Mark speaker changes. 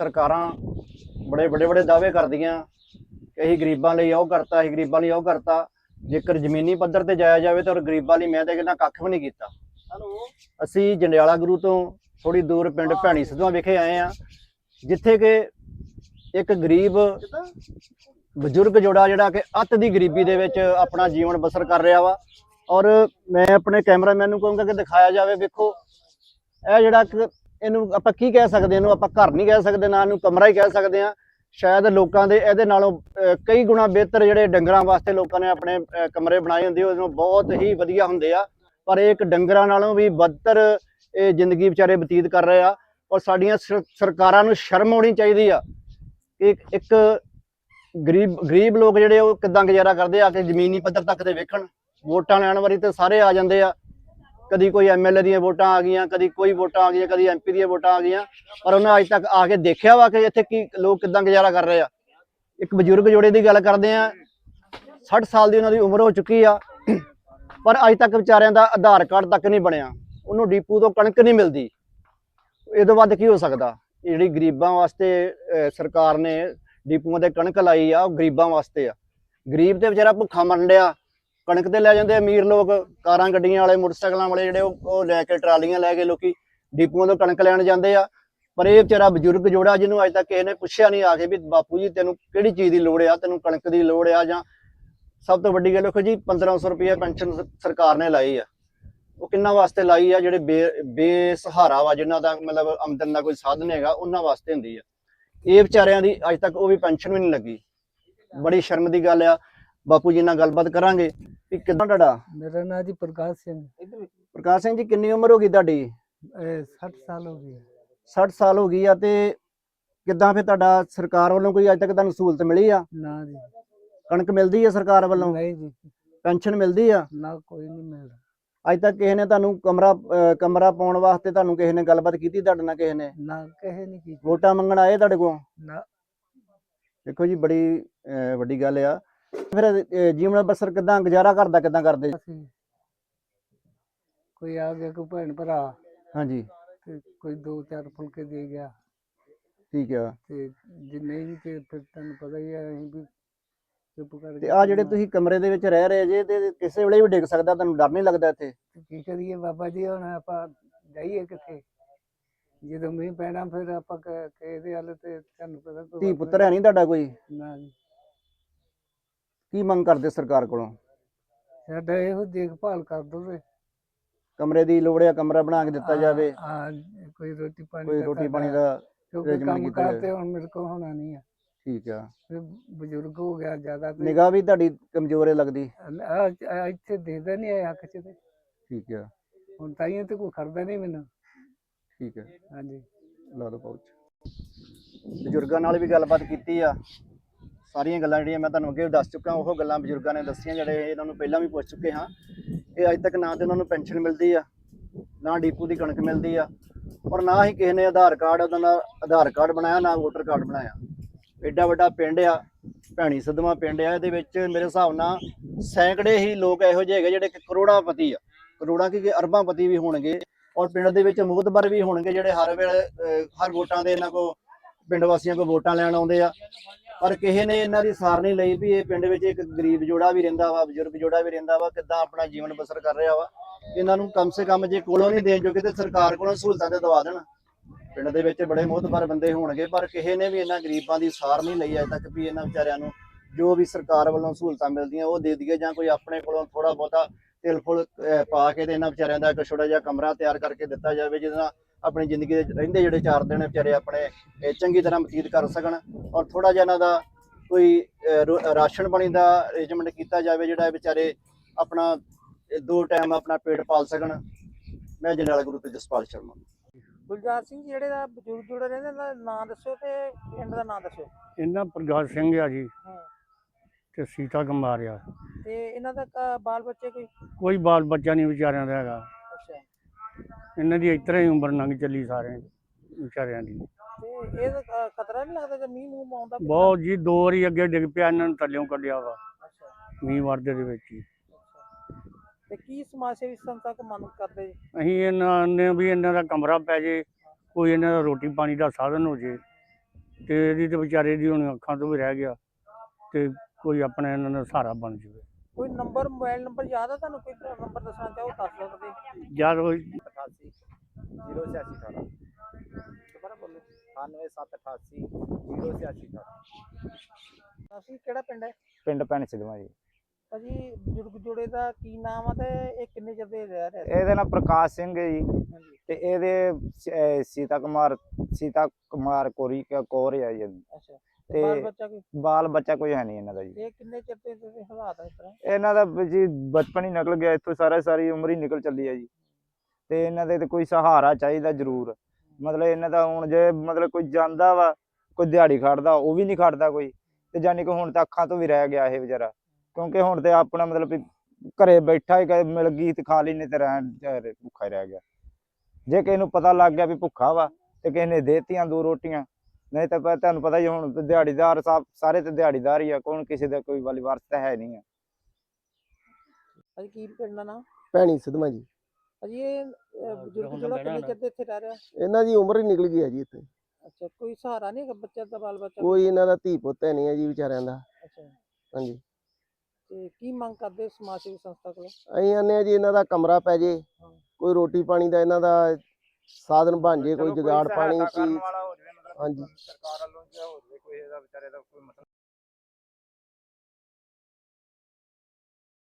Speaker 1: ਸਰਕਾਰਾਂ ਬੜੇ ਵੱਡੇ ਵੱਡੇ ਦਾਅਵੇ ਕਰਦੀਆਂ ਕਿ ਅਸੀਂ ਗਰੀਬਾਂ ਲਈ ਉਹ ਕਰਤਾ, ਅਸੀਂ ਗਰੀਬਾਂ ਲਈ ਉਹ ਕਰਤਾ। ਜੇਕਰ ਜ਼ਮੀਨੀ ਪੱਧਰ ਤੇ ਜਾਇਆ ਜਾਵੇ ਤਾਂ ਗਰੀਬਾਂ ਲਈ ਮੈਂ ਤਾਂ ਕਹਿੰਦਾ ਕੱਖ ਵੀ ਨਹੀਂ ਕੀਤਾ। ਅਸੀਂ ਜੰਡਿਆਲਾ ਗੁਰੂ ਤੋਂ ਥੋੜੀ ਦੂਰ ਪਿੰਡ ਭੈਣੀ ਸਿੱਧਵਾਂ ਵਿਖੇ ਆਏ ਆ, ਜਿੱਥੇ ਕਿ ਇੱਕ ਗਰੀਬ ਬਜ਼ੁਰਗ ਜੋੜਾ ਜਿਹੜਾ ਕਿ ਅੱਤ ਦੀ ਗਰੀਬੀ ਦੇ ਵਿੱਚ ਆਪਣਾ ਜੀਵਨ ਬਸਰ ਕਰ ਰਿਹਾ ਵਾ। ਔਰ ਮੈਂ ਆਪਣੇ ਕੈਮਰਾਮੈਨ ਨੂੰ ਕਹੂੰਗਾ ਕਿ ਦਿਖਾਇਆ ਜਾਵੇ। ਵੇਖੋ ਇਹ ਜਿਹੜਾ ਇਹਨੂੰ ਆਪਾਂ ਕੀ ਕਹਿ ਸਕਦੇ, ਇਹਨੂੰ ਆਪਾਂ ਘਰ ਨਹੀਂ ਕਹਿ ਸਕਦੇ, ਨਾ ਇਹਨੂੰ ਕਮਰਾ ਹੀ ਕਹਿ ਸਕਦੇ ਆ। ਸ਼ਾਇਦ ਲੋਕਾਂ ਦੇ ਇਹਦੇ ਨਾਲੋਂ ਕਈ ਗੁਣਾ ਬਿਹਤਰ ਜਿਹੜੇ ਡੰਗਰਾਂ ਵਾਸਤੇ ਲੋਕਾਂ ਨੇ ਆਪਣੇ ਕਮਰੇ ਬਣਾਏ ਹੁੰਦੇ, ਉਹਨੂੰ ਬਹੁਤ ਹੀ ਵਧੀਆ ਹੁੰਦੇ ਆ। ਪਰ ਇਹ ਇੱਕ ਡੰਗਰਾਂ ਨਾਲੋਂ ਵੀ ਬਦਤਰ ਇਹ ਜ਼ਿੰਦਗੀ ਵਿਚਾਰੇ ਬਤੀਤ ਕਰ ਰਹੇ ਆ। ਔਰ ਸਾਡੀਆਂ ਸਰਕਾਰਾਂ ਨੂੰ ਸ਼ਰਮ ਆਉਣੀ ਚਾਹੀਦੀ ਆ ਕਿ ਇੱਕ ਗਰੀਬ ਲੋਕ ਜਿਹੜੇ ਉਹ ਕਿੱਦਾਂ ਗੁਜ਼ਾਰਾ ਕਰਦੇ ਆ ਕਿ ਜ਼ਮੀਨੀ ਪੱਧਰ ਤੱਕ ਤੇ ਵੇਖਣ। ਵੋਟਾਂ ਲੈਣ ਵਾਰੀ ਤੇ ਸਾਰੇ ਆ ਜਾਂਦੇ ਆ, ਕਦੀ ਕੋਈ MLA ਦੀਆਂ ਵੋਟਾਂ ਆ ਗਈਆਂ, ਕਦੀ ਕੋਈ ਵੋਟਾਂ ਆ ਗਈਆਂ, ਕਦੀ MP ਦੀਆਂ ਵੋਟਾਂ ਆ ਗਈਆਂ, ਪਰ ਉਹਨਾਂ ਅੱਜ ਤੱਕ ਆ ਕੇ ਦੇਖਿਆ ਵਾ ਕਿ ਇੱਥੇ ਕੀ ਲੋਕ ਕਿੱਦਾਂ ਗੁਜ਼ਾਰਾ ਕਰ ਰਹੇ ਆ। ਇੱਕ ਬਜ਼ੁਰਗ ਜੋੜੇ ਦੀ ਗੱਲ ਕਰਦੇ ਆ, 60 ਸਾਲ ਦੀ ਉਹਨਾਂ ਦੀ ਉਮਰ ਹੋ ਚੁੱਕੀ ਆ, ਪਰ ਅੱਜ ਤੱਕ ਵਿਚਾਰਿਆਂ ਦਾ ਆਧਾਰ ਕਾਰਡ ਤੱਕ ਨਹੀਂ ਬਣਿਆ, ਉਹਨੂੰ ਡੀਪੂ ਤੋਂ ਕਣਕ ਨਹੀਂ ਮਿਲਦੀ। ਇਹ ਤੋਂ ਵੱਧ ਕੀ ਹੋ ਸਕਦਾ? ਜਿਹੜੀ ਗਰੀਬਾਂ ਵਾਸਤੇ ਸਰਕਾਰ ਨੇ ਡੀਪੂਆਂ ਤੇ ਕਣਕ ਲਾਈ ਆ, ਉਹ ਗਰੀਬਾਂ ਵਾਸਤੇ ਆ। ਗਰੀਬ ਤੇ ਵਿਚਾਰਾ ਭੁੱਖਾ ਮਰਨ ਡਿਆ, ਕਣਕ ਤੇ ਲੈ ਜਾਂਦੇ ਅਮੀਰ ਲੋਕ, ਕਾਰਾਂ ਗੱਡੀਆਂ ਵਾਲੇ, ਮੋਟਰਸਾਈਕਲਾਂ ਵਾਲੇ ਜਿਹੜੇ ਉਹ ਲੈ ਕੇ ਟਰਾਲੀਆਂ ਲੈ ਕੇ ਲੋਕੀ ਡੀਪੂਆਂ ਤੋਂ ਕਣਕ ਲੈਣ ਜਾਂਦੇ ਆ। ਪਰ ਇਹ ਵਿਚਾਰਾ ਬਜ਼ੁਰਗ ਜੋੜਾ ਜਿਹਨੂੰ ਅੱਜ ਤੱਕ ਕਿਸੇ ਨੇ ਪੁੱਛਿਆ ਨਹੀਂ ਆ ਕੇ ਵੀ ਬਾਪੂ ਜੀ ਤੈਨੂੰ ਕਿਹੜੀ ਚੀਜ਼ ਦੀ ਲੋੜ ਆ, ਤੈਨੂੰ ਕਣਕ ਦੀ ਲੋੜ ਆ, ਜਾਂ ਸਭ ਤੋਂ ਵੱਡੀ ਗੱਲ ਦੇਖੋ ਜੀ 1500 ਰੁਪਏ ਪੈਨਸ਼ਨ ਸਰਕਾਰ ਨੇ ਲਾਈ ਆ। ਉਹ ਕਿੰਨਾ ਵਾਸਤੇ ਲਾਈ ਆ? ਜਿਹੜੇ ਬੇਸਹਾਰਾ ਵਾ, ਜਿਨ੍ਹਾਂ ਦਾ ਮਤਲਬ ਆਮਦਨ ਦਾ ਕੋਈ ਸਾਧਨ ਹੈਗਾ, ਉਹਨਾਂ ਵਾਸਤੇ ਹੁੰਦੀ ਆ। ਇਹ ਵਿਚਾਰਿਆਂ ਦੀ ਅੱਜ ਤੱਕ ਉਹ ਵੀ ਪੈਨਸ਼ਨ ਵੀ ਨਹੀਂ ਲੱਗੀ। ਬੜੀ ਸ਼ਰਮ ਦੀ ਗੱਲ ਆ। ਬਾਪੂ ਜੀ ਨਾਲ ਗੱਲਬਾਤ ਕਰਾਂਗੇ ਵੀ ਕਿੱਦਾਂ। ਤੁਹਾਡਾ?
Speaker 2: ਮੇਰਾ ਨਾਮ ਜੀ ਪ੍ਰਕਾਸ਼ ਸਿੰਘ।
Speaker 1: ਪ੍ਰਕਾਸ਼ ਸਿੰਘ ਜੀ, ਕਿੰਨੀ ਉਮਰ ਹੋ ਗਈ ਤੁਹਾਡੀ?
Speaker 2: 60 ਸਾਲ ਹੋ ਗਈ।
Speaker 1: 60 ਸਾਲ ਹੋ ਗਈ ਆ। ਤੇ ਕਿੱਦਾਂ ਫਿਰ ਤੁਹਾਡਾ ਸਰਕਾਰ ਵੱਲੋਂ ਕੋਈ ਅੱਜ ਤੱਕ ਤੁਹਾਨੂੰ ਸਹੂਲਤ ਮਿਲੀ ਆ?
Speaker 2: ਨਾ ਜੀ।
Speaker 1: ਕਣਕ ਮਿਲਦੀ ਆ ਸਰਕਾਰ ਵੱਲੋਂ?
Speaker 2: ਨਹੀਂ ਜੀ।
Speaker 1: ਪੈਨਸ਼ਨ ਮਿਲਦੀ ਆ?
Speaker 2: ਨਾ, ਕੋਈ ਨਹੀਂ ਮਿਲਦਾ।
Speaker 1: ਅੱਜ ਤੱਕ ਕਿਸੇ ਨੇ ਤੁਹਾਨੂੰ ਕਮਰਾ ਪਾਉਣ ਵਾਸਤੇ ਤੁਹਾਨੂੰ ਕਿਸੇ ਨੇ ਗੱਲਬਾਤ ਕੀਤੀ ਤੁਹਾਡੇ ਨਾਲ? ਕਿਸੇ ਨੇ
Speaker 2: ਨਾ, ਕਿਸੇ ਨੇ ਕੀਤੀ।
Speaker 1: ਵੋਟਾਂ ਮੰਗਣ ਆਏ ਤੁਹਾਡੇ ਕੋਲ?
Speaker 2: ਨਾ।
Speaker 1: ਦੇਖੋ ਜੀ, ਬੜੀ ਵੱਡੀ ਗੱਲ ਆ। ਫਿਰ ਜੀਵਨ ਬਸਰ ਕਿੱਦਾਂ, ਗੁਜ਼ਾਰਾ ਕਰਦਾ ਕਿੱਦਾਂ ਕਰਦੇ?
Speaker 2: ਕੋਈ ਆ ਗਿਆ, ਕੋਈ ਭੈਣ ਭਰਾ,
Speaker 1: ਹਾਂਜੀ,
Speaker 2: ਤੇ ਕੋਈ 2-4 ਫੁਲਕੇ ਦੇ ਗਿਆ।
Speaker 1: ਠੀਕ ਆ।
Speaker 2: ਤੇ ਜੇ ਨਹੀਂ ਤੇ ਫਿਰ ਤੁਹਾਨੂੰ ਪਤਾ ਹੀ ਆ, ਅਸੀਂ ਵੀ ਚੁੱਪ ਕਰਕੇ।
Speaker 1: ਤੇ ਆ ਜਿਹੜੇ ਤੁਸੀਂ ਕਮਰੇ ਦੇ ਵਿੱਚ ਰਹਿ ਰਹੇ ਜੇ, ਤੇ ਕਿਸੇ ਵੇਲੇ ਵੀ ਡਿੱਗ ਸਕਦਾ, ਤੁਹਾਨੂੰ ਡਰ ਨਹੀਂ ਲੱਗਦਾ ਇੱਥੇ?
Speaker 2: ਕੀ ਕਰੀਏ ਬਾਬਾ ਜੀ, ਹੁਣ ਆਪਾਂ ਜਾਈਏ ਕਿੱਥੇ? ਜਦੋਂ ਮੀਂਹ ਪੈਣਾ ਫਿਰ ਆਪਾਂ ਕਿਹਦੇ ਹੱਲ ਤੇ ਤੁਹਾਨੂੰ ਪਤਾ।
Speaker 1: ਧੀ ਪੁੱਤਰ ਹੈ ਨਹੀਂ ਤੁਹਾਡਾ ਕੋਈ?
Speaker 2: ਨਾ ਜੀ।
Speaker 1: ਕੀ ਮੰਗ ਕਰਦੇ ਸਰਕਾਰ ਕੋਲੋਂ?
Speaker 2: ਸਾਡਾ ਇਹੋ ਦੇਖਭਾਲ ਕਰ ਦੋ।
Speaker 1: ਕਮਰੇ ਦੀ ਲੋੜ ਆ, ਕਮਰਾ ਬਣਾ ਕੇ ਦਿੱਤਾ ਜਾਵੇ।
Speaker 2: ਕੋਈ ਰੋਟੀ ਪਾਣੀ
Speaker 1: ਕੋਈ ਰੋਟੀ ਪਾਣੀ ਦਾ
Speaker 2: ਕੰਮ ਕਰਦੇ। ਹੁਣ ਮੇਰੇ ਕੋਲ ਹੋਣਾ ਨਹੀਂ ਆ।
Speaker 1: ਠੀਕ ਆ।
Speaker 2: ਬਜ਼ੁਰਗ ਹੋ ਗਿਆ ਜ਼ਿਆਦਾ।
Speaker 1: ਨਿਗਾਹ ਵੀ ਤੁਹਾਡੀ ਕਮਜ਼ੋਰ ਹੈ ਲੱਗਦੀ?
Speaker 2: ਇੱਥੇ ਦੇਖਦਾ ਨਹੀਂ ਆਇਆ ਅੱਖ 'ਚ ਤੇ।
Speaker 1: ਠੀਕ ਆ।
Speaker 2: ਹੁਣ ਤਾਈਆਂ ਤੇ ਕੋਈ ਖੜਦਾ ਨਹੀਂ ਮੈਨੂੰ।
Speaker 1: ਠੀਕ ਹੈ।
Speaker 2: ਹਾਂਜੀ,
Speaker 1: ਲਾ ਦੋ ਪਾਉਚ। ਬਜ਼ੁਰਗਾਂ ਨਾਲ ਵੀ ਗੱਲਬਾਤ ਕੀਤੀ ਆ। ਸਾਰੀਆਂ ਗੱਲਾਂ ਜਿਹੜੀਆਂ ਮੈਂ ਤੁਹਾਨੂੰ ਅੱਗੇ ਵੀ ਦੱਸ ਚੁੱਕਾ, ਉਹ ਗੱਲਾਂ ਬਜ਼ੁਰਗਾਂ ਨੇ ਦੱਸੀਆਂ, ਜਿਹੜੇ ਇਹਨਾਂ ਨੂੰ ਪਹਿਲਾਂ ਵੀ ਪੁੱਛ ਚੁੱਕੇ ਹਾਂ। ਇਹ ਅੱਜ ਤੱਕ ਨਾ ਤੇ ਉਹਨਾਂ ਨੂੰ ਪੈਨਸ਼ਨ ਮਿਲਦੀ ਆ, ਨਾ ਡੀਪੂ ਦੀ ਕਣਕ ਮਿਲਦੀ ਆ, ਔਰ ਨਾ ਹੀ ਕਿਸੇ ਨੇ ਆਧਾਰ ਕਾਰਡ, ਉਹਨਾਂ ਦਾ ਆਧਾਰ ਕਾਰਡ ਬਣਾਇਆ, ਨਾ ਵੋਟਰ ਕਾਰਡ ਬਣਾਇਆ। ਐਡਾ ਵੱਡਾ ਪਿੰਡ ਆ, ਭੈਣੀ ਸਿੱਧਵਾਂ ਪਿੰਡ ਆ। ਇਹਦੇ ਵਿੱਚ ਮੇਰੇ ਹਿਸਾਬ ਨਾਲ ਸੈਂਕੜੇ ਹੀ ਲੋਕ ਇਹੋ ਜਿਹੇ ਹੈਗੇ ਜਿਹੜੇ ਕਿ ਕਰੋੜਾਪਤੀ ਆ, ਕਰੋੜਾਂ ਕੀ ਅਰਬਾਂਪਤੀ ਵੀ ਹੋਣਗੇ। ਔਰ ਪਿੰਡ ਦੇ ਵਿੱਚ ਮੁਹਤਬਰ ਵੀ ਹੋਣਗੇ, ਜਿਹੜੇ ਹਰ ਵੇਲੇ ਹਰ ਵੋਟਾਂ ਦੇ ਇਹਨਾਂ ਕੋਲ ਪਿੰਡ ਵਾਸੀਆਂ ਕੋਲ ਵੋਟਾਂ ਲੈਣ ਆਉਂਦੇ ਆ। ਪਰ ਕਿਸੇ ਨੇ ਇਹਨਾਂ ਦੀ ਸਾਰ ਨਹੀਂ ਲਈ ਵੀ ਇਹ ਪਿੰਡ ਵਿੱਚ ਇੱਕ ਗਰੀਬ ਜੋੜਾ ਵੀ ਰਹਿੰਦਾ ਵਾ, ਬਜ਼ੁਰਗ ਜੋੜਾ ਵੀ ਰਹਿੰਦਾ ਵਾ, ਕਿੱਦਾਂ ਆਪਣਾ ਜੀਵਨ ਬਸਰ ਕਰ ਰਿਹਾ ਵਾ। ਇਹਨਾਂ ਨੂੰ ਕਮ ਸੇ ਕਮ ਜੇ ਕੋਲੋਂ ਨਹੀਂ ਦੇਣ ਜੋਗੇ ਤੇ ਸਰਕਾਰ ਕੋਲੋਂ ਸਹੂਲਤਾਂ ਤੇ ਦਵਾ ਦੇਣ। ਪਿੰਡ ਦੇ ਵਿੱਚ ਬੜੇ ਮੁਹਤਬਰ ਬੰਦੇ ਹੋਣਗੇ, ਪਰ ਕਿਸੇ ਨੇ ਵੀ ਇਹਨਾਂ ਗਰੀਬਾਂ ਦੀ ਸਾਰ ਨਹੀਂ ਲਈ ਅਜੇ ਤੱਕ ਵੀ ਇਹਨਾਂ ਵਿਚਾਰਿਆਂ ਨੂੰ ਜੋ ਵੀ ਸਰਕਾਰ ਵੱਲੋਂ ਸਹੂਲਤਾਂ ਮਿਲਦੀਆਂ ਉਹ ਦੇ ਦਈਏ, ਜਾਂ ਕੋਈ ਆਪਣੇ ਕੋਲੋਂ ਥੋੜਾ ਬਹੁਤਾ ਤਿਲ ਫੁਲ ਪਾ ਕੇ ਤੇ ਇਹਨਾਂ ਵਿਚਾਰਿਆਂ ਦਾ ਇੱਕ ਛੋਟਾ ਜਿਹਾ ਕਮਰਾ ਤਿਆਰ ਕਰਕੇ ਦਿੱਤਾ ਜਾਵੇ, ਜਿਹਦੇ ਨਾਲ ਆਪਣੀ ਜ਼ਿੰਦਗੀ ਦੇ ਰਹਿੰਦੇ ਜਿਹੜੇ 4 ਦਿਨ ਵਿਚਾਰੇ ਆਪਣੇ ਚੰਗੀ ਤਰ੍ਹਾਂ ਬਤੀਤ ਕਰ ਸਕਣ। ਔਰ ਥੋੜਾ ਜਿਹਾ ਇਹਨਾਂ ਦਾ ਕੋਈ ਰਾਸ਼ਨ ਪਾਣੀ ਦਾ ਅਰੇਂਜਮੈਂਟ ਕੀਤਾ ਜਾਵੇ, ਜਿਹੜਾ ਵਿਚਾਰੇ ਆਪਣਾ 2 ਟਾਈਮ ਆਪਣਾ ਪੇਟ ਪਾਲ ਸਕਣ। ਮੈਂ ਜੰਡਿਆਲਾ ਗੁਰੂ ਤੋਂ ਜਸਪਾਲ ਸ਼ਰਮਾ।
Speaker 3: ਗੁਲਜ਼ਾਰ ਸਿੰਘ ਜਿਹੜੇ ਦਾ ਬਜ਼ੁਰਗ ਜੁੜੇ ਰਹਿੰਦੇ, ਇਹਨਾਂ ਦਾ ਨਾਂ ਦੱਸੋ ਤੇ ਪਿੰਡ ਦਾ ਨਾਂ ਦੱਸੋ।
Speaker 4: ਇਹਨਾਂ ਪ੍ਰਕਾਸ਼ ਸਿੰਘ ਆ ਜੀ, ਤੇ ਸੀਤਾ ਕੁਮਾਰ ਆ।
Speaker 3: ਤੇ ਇਹਨਾਂ ਦਾ ਬਾਲ ਬੱਚੇ
Speaker 4: ਕੋਈ ਬਾਲ ਬੱਚਾ ਨਹੀਂ ਵਿਚਾਰਿਆਂ ਦਾ ਹੈਗਾ।
Speaker 3: ਅੱਛਾ।
Speaker 4: ਇਹਨਾਂ ਦੀ ਇਸ ਤਰ੍ਹਾਂ ਹੀ ਉਮਰ ਲੰਘ ਚੱਲੀ ਸਾਰੇ ਵਿਚਾਰਿਆਂ ਦੀ।
Speaker 3: ਤੇ ਇਹ ਖਤਰਾ ਨਹੀਂ ਲੱਗਦਾ ਕਿ ਮੀਂਹ ਮੂੰਹ ਆਉਂਦਾ?
Speaker 4: ਬਹੁਤ ਜੀ, 2 ਵਾਰੀ ਅੱਗੇ ਡਿੱਗ ਪਿਆ, ਇਹਨਾਂ ਨੂੰ ਥੱਲਿਓਂ ਕੱਢਿਆ ਵਾ
Speaker 3: ਅੱਛਾ।
Speaker 4: ਮੀਂਹ ਵਰਦੇ ਦੇ ਵਿੱਚ ਹੀ।
Speaker 3: ਤੇ ਕੀ ਸਮਾਜ ਸੇਵੀ ਸੰਸਥਾ ਕੋ ਮੰਗ ਕਰਦੇ ਜੀ?
Speaker 4: ਅਸੀਂ ਇਹਨਾਂ ਨੇ ਵੀ ਇਹਨਾਂ ਦਾ ਕਮਰਾ ਪੈ ਜੇ, ਕੋਈ ਇਹਨਾਂ ਦਾ ਰੋਟੀ ਪਾਣੀ ਦਾ ਸਾਧਨ ਹੋ ਜੇ, ਤੇ ਇਹਦੀ ਤੇ ਵਿਚਾਰੇ ਦੀ ਹੁਣ ਅੱਖਾਂ ਤੋਂ ਵੀ ਰਹਿ ਗਿਆ ਤੇ ਕੋਈ ਆਪਣਾ ਇਹਨਾਂ ਦਾ ਸਹਾਰਾ ਬਣ ਜਾਵੇ।
Speaker 3: ਕੋਈ ਨੰਬਰ ਮੋਬਾਈਲ ਨੰਬਰ ਯਾਦ ਆ ਤੁਹਾਨੂੰ? ਕੋਈ ਨੰਬਰ ਦੱਸਣਾ ਚਾਹੋ ਦੱਸ ਸਕਦੇ।
Speaker 4: ਜਦ ਕੋਈ
Speaker 1: 88 08618
Speaker 3: ਦੁਬਾਰਾ ਬੋਲੋ।
Speaker 1: 98788 08618
Speaker 3: ਅਸੀਂ ਕਿਹੜਾ ਪਿੰਡ ਹੈ?
Speaker 1: ਪਿੰਡ ਭੈਣ ਸਿੱਧਵਾਂ ਜੀ।
Speaker 3: ਭਾਜੀ ਬਜ਼ੁਰਗ ਜੋੜੇ ਦਾ ਕੀ ਨਾਮ ਆ ਤੇ ਇਹ ਕਿੰਨੇ ਚਿਰ ਦੇ ਰਹਿ ਰਹੇ?
Speaker 1: ਇਹਦਾ ਨਾਮ ਪ੍ਰਕਾਸ਼ ਸਿੰਘ ਹੈ ਜੀ
Speaker 3: ਹਾਂਜੀ।
Speaker 1: ਤੇ ਇਹਦੇ ਸੀਤਾ ਕੁਮਾਰ ਕੌਰ ਹੈ ਜੀ।
Speaker 3: ਅੱਛਾ।
Speaker 1: ਤੇ
Speaker 3: ਬਾਲ ਬੱਚਾ ਕੋਈ?
Speaker 1: ਬਾਲ ਬੱਚਾ ਕੋਈ ਹੈ ਨਹੀਂ ਇਹਨਾਂ ਦਾ ਜੀ।
Speaker 3: ਇਹ ਕਿੰਨੇ ਚਿਰ ਦੇ ਹਾਲਾਤ ਆ ਇਸ ਤਰ੍ਹਾਂ?
Speaker 1: ਇਹਨਾਂ ਦਾ ਜੀ ਬਚਪਨ ਹੀ ਨਿਕਲ ਗਿਆ ਇੱਥੋਂ, ਸਾਰੀ ਉਮਰ ਹੀ ਨਿਕਲ ਚੱਲੀ ਹੈ ਜੀ। ਤੇ ਇਹਨਾਂ ਦੇ ਤੇ ਕੋਈ ਸਹਾਰਾ ਚਾਹੀਦਾ ਜ਼ਰੂਰ। ਮਤਲਬ ਇਹਨਾਂ ਦਾ ਹੁਣ ਜੇ ਮਤਲਬ ਕੋਈ ਜਾਂਦਾ ਵਾ, ਕੋਈ ਦਿਹਾੜੀ ਖੜਦਾ, ਉਹ ਵੀ ਨਹੀਂ ਖੜਦਾ ਕੋਈ। ਤੇ ਜਾਨੀ ਕਿ ਹੁਣ ਤਾਂ ਅੱਖਾਂ ਤੋਂ ਵੀ ਰਹਿ ਗਿਆ ਇਹ ਵਿਚਾਰਾ, ਕਿਉਂਕਿ ਹੁਣ ਤੇ ਆਪਣਾ ਮਤਲਬ ਵੀ ਘਰੇ ਬੈਠਾ ਹੀ ਮਿਲ ਗਈ ਤੇ ਖਾ ਲਈ, ਨਹੀਂ ਤੇ ਭੁੱਖਾ ਹੀ ਰਹਿ ਗਿਆ। ਜੇ ਕਿਸੇ ਨੂੰ ਪਤਾ ਲੱਗ ਗਿਆ ਵੀ ਭੁੱਖਾ ਵਾ ਤੇ ਕਿਸੇ ਨੇ ਦੇਤੀਆਂ 2 ਰੋਟੀਆਂ, ਨਹੀਂ ਤਾਂ ਤੁਹਾਨੂੰ ਪਤਾ ਹੀ ਹੁਣ ਦਿਹਾੜੀਦਾਰ ਸਾਰੇ ਤੇ ਦਿਹਾੜੀਦਾਰ ਹੀ ਆ, ਕੌਣ ਕਿਸੇ ਦਾ ਕੋਈ ਵਾਲੀ ਵਾਰਸ ਤਾਂ ਹੈ ਨਹੀਂ ਆ।
Speaker 3: ਭਾਜੀ ਕੀ ਪਿੰਡ ਦਾ ਨਾਮ?
Speaker 5: ਭੈਣੀ ਸਿੱਧਵਾਂ ਜੀ।
Speaker 3: ਭਾਜੀ ਇਹ ਬਜ਼ੁਰਗ ਜਿਹੜਾ ਕਿੰਨੇ ਚਿਰ ਦੇ ਇੱਥੇ ਰਹਿ ਰਿਹਾ?
Speaker 5: ਇਹਨਾਂ ਦੀ ਉਮਰ ਹੀ ਨਿਕਲ ਗਈ ਹੈ ਜੀ ਇੱਥੇ।
Speaker 3: ਅੱਛਾ। ਕੋਈ ਸਹਾਰਾ ਨਹੀਂ ਹੈਗਾ ਬੱਚਾ ਦਾ, ਬਾਲ ਬੱਚਾ?
Speaker 5: ਕੋਈ ਇਹਨਾਂ ਦਾ ਧੀ ਪੁੱਤ ਹੈ ਨਹੀਂ ਹੈ ਜੀ ਵਿਚਾਰਿਆਂ ਦਾ।
Speaker 3: ਅੱਛਾ।
Speaker 5: ਹਾਂਜੀ।
Speaker 3: ਤੇ ਕੀ ਮੰਗ ਕਰਦੇ ਸਮਾਜ ਸੇਵੀ ਸੰਸਥਾ ਕੋਲ?
Speaker 5: ਅਸੀਂ ਆਨੇ ਆ ਜੀ ਇਹਨਾਂ ਦਾ ਕਮਰਾ ਪੈ ਜੇ, ਕੋਈ ਰੋਟੀ ਪਾਣੀ ਦਾ ਇਹਨਾਂ ਦਾ ਸਾਧਨ ਬਣ ਜੇ, ਕੋਈ ਜੁਗਾੜ ਪਾਣੀ ਚੀਜ਼। ਹਾਂਜੀ।
Speaker 1: ਸਰਕਾਰ ਵੱਲੋਂ ਹੋ ਜਾਵੇ ਕੋਈ ਇਹਦਾ ਵਿਚਾਰੇ ਦਾ ਕੋਈ ਮਤਲਬ